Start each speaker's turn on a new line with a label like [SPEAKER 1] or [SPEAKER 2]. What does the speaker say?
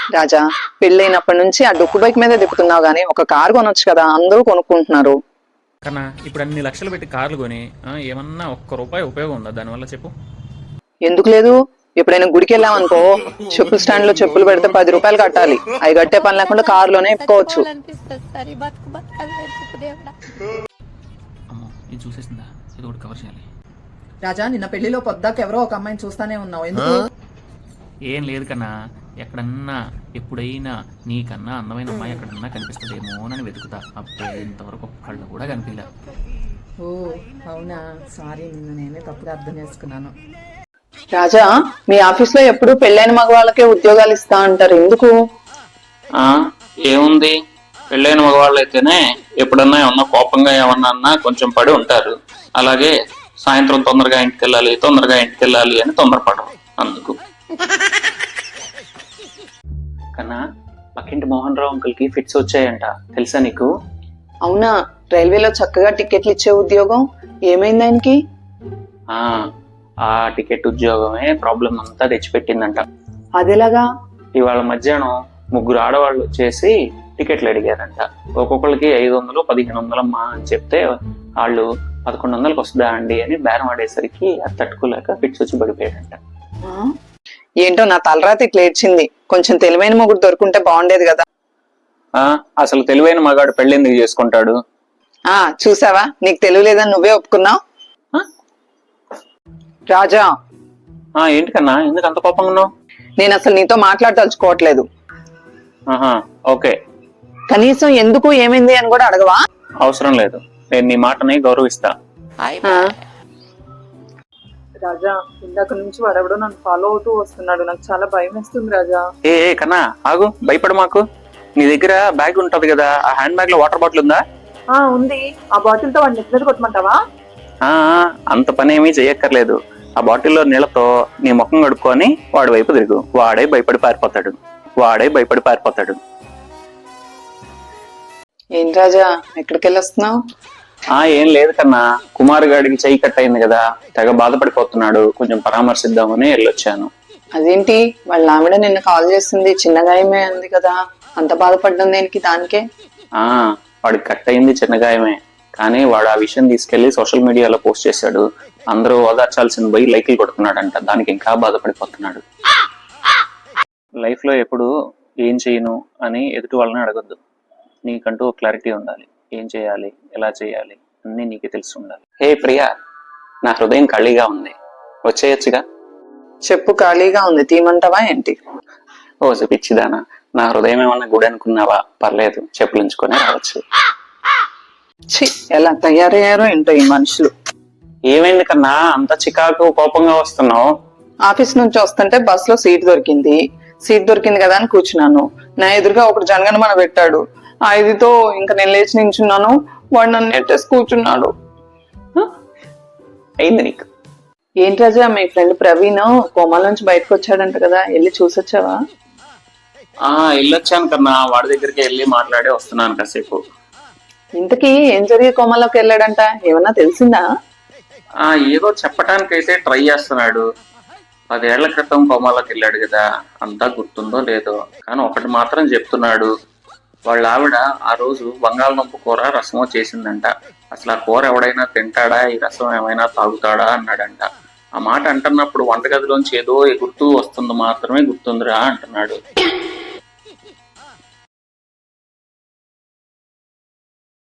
[SPEAKER 1] రాజా, పెళ్ళైనప్పటి నుంచి ఆ డొక్కు బైక్ మీదే తిప్పుతున్నావు గానీ ఒక కారు కొనొచ్చు కదా, అందరూ కొనుక్కుంటున్నారు.
[SPEAKER 2] కన్నా ఇప్పుడు అన్ని లక్షలు పెట్టి కార్లు కొని ఏమన్నా ఒక్క రూపాయి ఉపయోగం ఉందా దానివల్ల చెప్పు?
[SPEAKER 1] ఎందుకు లేదు? ఎప్పుడైనా గుడికి వెళ్ళామనుకో, చెప్పుల స్టాండ్ లో చెప్పులు పెడితే 10 రూపాయలు కట్టాలి. అవి కట్టే పని లేకుండా కారులోనే ఎప్పుకోవచ్చు.
[SPEAKER 2] అమ్మో, ఇది చూసేసిందా? ఇది ఒకటి కవర్ చేయాలి.
[SPEAKER 1] రాజా, నిన్న పెళ్లిలో పొద్దాక ఎవరో ఒక అమ్మాయిని చూస్తానే ఉన్నావు, ఎందుకు?
[SPEAKER 2] ఏం లేదు కన్నా, ఎక్కడన్నా ఎప్పుడైనా నీకన్నా అందమైన అమ్మాయి ఎక్కడన్నా కనిపిస్తుందేమో అని వెతుకుతా. అప్పుడే ఇంతవరకు ఒక్కళ్ళు కూడా కనిపించలే.
[SPEAKER 1] ఓ అవునా, సారీ, నిన్న నేనే తప్పుగా అర్థం చేసుకున్నాను. రాజా, మీ ఆఫీస్ లో ఎప్పుడు పెళ్ళైన మగవాళ్ళకే ఉద్యోగాలు ఇస్తా అంటారు, ఎందుకు?
[SPEAKER 3] ఏముంది, పెళ్ళైన మగవాళ్ళు అయితేనే ఎప్పుడన్నా ఏమన్నా కోపంగా ఏమన్నా కొంచెం పడి ఉంటారు. అలాగే సాయంత్రం తొందరగా ఇంటికి వెళ్ళాలి అని తొందరపడరు. అందుకు కన్నా, పక్కింటి మోహన్ రావు అంకుల్ కి ఫిట్స్ వచ్చాయంట, తెలుసా నీకు?
[SPEAKER 1] అవునా, రైల్వేలో చక్కగా టికెట్లు ఇచ్చే ఉద్యోగం, ఏమైంది ఆయనకి?
[SPEAKER 3] ఆ టికెట్ ఉద్యోగమే ప్రాబ్లం అంతా తెచ్చిపెట్టిందంట.
[SPEAKER 1] అదేలాగా?
[SPEAKER 3] ఇవాళ మధ్యాహ్నం 3 ఆడవాళ్ళు వచ్చేసి టికెట్లు అడిగారంట. ఒక్కొక్కరికి 500, 1500 అమ్మా అని చెప్తే వాళ్ళు 1100కి వస్తుందా అండి అని బేరం ఆడేసరికి అది తట్టుకోలేక ఫిట్స్ వచ్చి పడిపోయాడంట.
[SPEAKER 1] ఏంటో నా తలరాత ఇట్లా ఏడ్చింది. కొంచెం తెలివైన మొగుడు దొరుకుంటే బాగుండేది కదా.
[SPEAKER 3] అసలు తెలివైన మగాడు పెళ్ళెందుకు చేసుకుంటాడు?
[SPEAKER 1] చూసావా, నీకు తెలియలేదని నువ్వే ఒప్పుకున్నావు. రాజా,
[SPEAKER 3] ఏంటి కన్నా, ఎందుకు అంత కోపంగా ఉన్నావు?
[SPEAKER 1] నేను అసలు నీతో మాట్లాడదలుచుకోవట్లేదు.
[SPEAKER 3] ఓకే,
[SPEAKER 1] కనీసం ఎందుకు ఏమైంది అని కూడా అడగవా?
[SPEAKER 3] అవసరం లేదు, నేను నీ మాటని గౌరవిస్తా.
[SPEAKER 1] రాజా, ఇందాక నుంచి వాడెవడో నన్ను ఫాలో అవుతూ వస్తున్నాడు, నాకు చాలా భయం వేస్తుంది రాజా.
[SPEAKER 3] కన్నా ఆగు, భయపడు మాకు. నీ దగ్గర బ్యాగ్ ఉంటది కదా, ఆ హ్యాండ్ బ్యాగ్ లో వాటర్ బాటిల్ ఉందా?
[SPEAKER 1] ఉంది. ఆ బాటిల్ తో వాడిని ఎత్తున కొట్టమంటావా?
[SPEAKER 3] అంత పని ఏమీ చెయ్యక్కర్లేదు. ఆ బాటిల్లో నీళ్లతో నీ ముఖం కడుక్కొని వాడి వైపు తిరుగు. వాడే భయపడి పారిపోతాడు.
[SPEAKER 1] ఏం రాజా, ఎక్కడికి వెళ్ళొస్తున్నావు?
[SPEAKER 3] ఏం లేదు కన్నా, కుమార్ గాడికి చెయ్యి కట్ అయింది కదా, తెగ బాధపడిపోతున్నాడు, కొంచెం పరామర్శిద్దామని వెళ్ళొచ్చాను.
[SPEAKER 1] అదేంటి, వాళ్ళ ఆవిడ నిన్న కాల్ చేసింది, చిన్న గాయమే అంది కదా, అంత బాధపడ్డం దేనికి? దానికే.
[SPEAKER 3] వాడికి కట్ అయింది చిన్న గాయమే, కానీ వాడు ఆ విషయం తీసుకెళ్లి సోషల్ మీడియాలో పోస్ట్ చేశాడు. అందరూ ఓదార్చాల్సిన పోయి లైక్లు కొడుతున్నాడంట, దానికి ఇంకా బాధపడిపోతున్నాడు. లైఫ్ లో ఎప్పుడు ఏం చేయను అని ఎదుటి వాళ్ళని అడగొద్దు. నీకంటూ క్లారిటీ ఉండాలి, ఏం చేయాలి, ఎలా చేయాలి అన్ని నీకే తెలిసి ఉండాలి. హే ప్రియా, నా హృదయం ఖాళీగా ఉంది, వచ్చేయచ్చుగా?
[SPEAKER 1] చెప్పు, ఖాళీగా ఉంది, తీమంటావా ఏంటి?
[SPEAKER 3] ఓ పిచ్చిదానా, నా హృదయం ఏమన్నా గుడి అనుకున్నావా? పర్లేదు, చెప్పులుంచుకొని రావచ్చు.
[SPEAKER 1] ఎలా తయారయ్యారో ఏంటో ఈ మనుషులు.
[SPEAKER 3] ఏమైంది కన్నా, అంత చికాకు కోపంగా వస్తున్నావు?
[SPEAKER 1] ఆఫీస్ నుంచి వస్తుంటే బస్ లో సీట్ దొరికింది కదా అని కూర్చున్నాను. నా ఎదురుగా ఒకడు జనగణమన పెట్టాడు. ఆ ఇదితో ఇంకా నేను లేచి నించున్నాను, వాడు నన్ను నెట్టేసి కూర్చున్నాడు.
[SPEAKER 3] అయింది నీకు?
[SPEAKER 1] ఏంటి రాజా, మీ ఫ్రెండ్ ప్రవీణ్ కోమాల నుంచి బయటకు వచ్చాడంట కదా, వెళ్ళి చూసొచ్చావా?
[SPEAKER 3] వెళ్ళొచ్చాను కన్నా, వాడి దగ్గరికి వెళ్ళి మాట్లాడి వస్తున్నాను కాసేపు.
[SPEAKER 1] ఇంతకీ ఏం జరిగి కోమాలోకి వెళ్ళాడంట, ఏమన్నా తెలిసిందా?
[SPEAKER 3] ఏదో చెప్పటానికైతే ట్రై చేస్తున్నాడు. 10 ఏళ్ల క్రితం కోమాలోకి వెళ్ళాడు కదా, అంతా గుర్తుందో లేదో, కానీ ఒకటి మాత్రం చెప్తున్నాడు. వాళ్ళ ఆవిడ ఆ రోజు బంగాళదుంప కూర రసమో చేసిందంట. అసలు ఆ కూర ఎవడైనా తింటాడా, ఈ రసం ఏమైనా తాగుతాడా అన్నాడంట. ఆ మాట అంటున్నప్పుడు వంటగదిలోంచి ఏదో గుర్తు వస్తుంది మాత్రమే గుర్తుందిరా అంటున్నాడు.